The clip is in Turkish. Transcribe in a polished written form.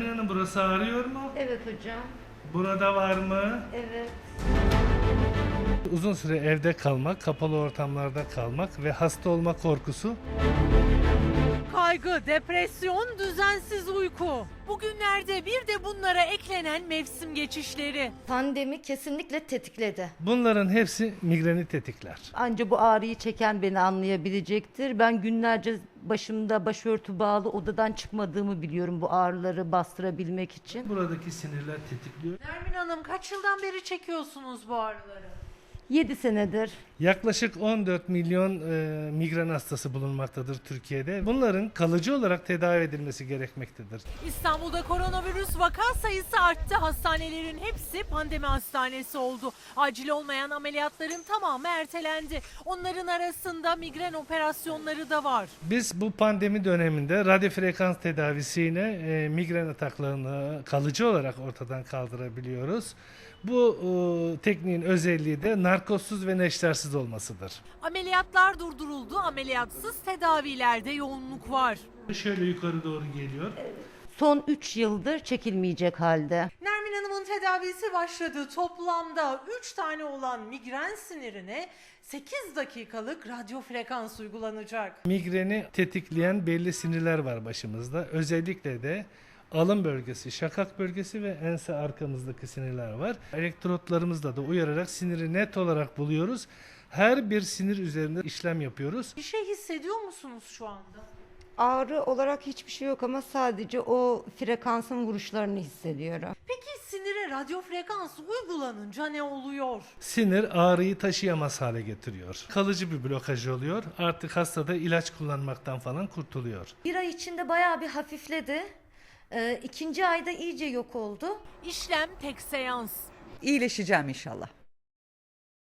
Hanım, burası ağrıyor mu? Evet hocam. Burada var mı? Evet. Uzun süre evde kalmak, kapalı ortamlarda kalmak ve hasta olma korkusu. Kaygı, depresyon, düzensiz uyku. Bugünlerde bir de bunlara eklenen mevsim geçişleri. Pandemi kesinlikle tetikledi. Bunların hepsi migreni tetikler. Anca bu ağrıyı çeken beni anlayabilecektir. Ben günlerce başımda başörtü bağlı odadan çıkmadığımı biliyorum bu ağrıları bastırabilmek için. Buradaki sinirler tetikliyor. Nermin Hanım, kaç yıldan beri çekiyorsunuz bu ağrıları? 7 senedir. Yaklaşık 14 milyon migren hastası bulunmaktadır Türkiye'de. Bunların kalıcı olarak tedavi edilmesi gerekmektedir. İstanbul'da koronavirüs vaka sayısı arttı. Hastanelerin hepsi pandemi hastanesi oldu. Acil olmayan ameliyatların tamamı ertelendi. Onların arasında migren operasyonları da var. Biz bu pandemi döneminde radyo frekans tedavisiyle migren ataklarını kalıcı olarak ortadan kaldırabiliyoruz. Bu tekniğin özelliği de narkozsuz ve neştersiz olmasıdır. Ameliyatlar durduruldu. Ameliyatsız tedavilerde yoğunluk var. Şöyle yukarı doğru geliyor. Son 3 yıldır çekilmeyecek halde. Nermin Hanım'ın tedavisi başladı. Toplamda 3 tane olan migren sinirine 8 dakikalık radyo frekans uygulanacak. Migreni tetikleyen belli sinirler var başımızda. Özellikle de alın bölgesi, şakak bölgesi ve ense arkamızdaki sinirler var. Elektrotlarımızla da uyararak siniri net olarak buluyoruz. Her bir sinir üzerinde işlem yapıyoruz. Bir şey hissediyor musunuz şu anda? Ağrı olarak hiçbir şey yok ama sadece o frekansın vuruşlarını hissediyorum. Peki sinire radyo frekans uygulanınca ne oluyor? Sinir ağrıyı taşıyamaz hale getiriyor. Kalıcı bir blokaj oluyor. Artık hastada ilaç kullanmaktan falan kurtuluyor. Bir ay içinde bayağı bir hafifledi. İkinci ayda iyice yok oldu. İşlem tek seans. İyileşeceğim inşallah.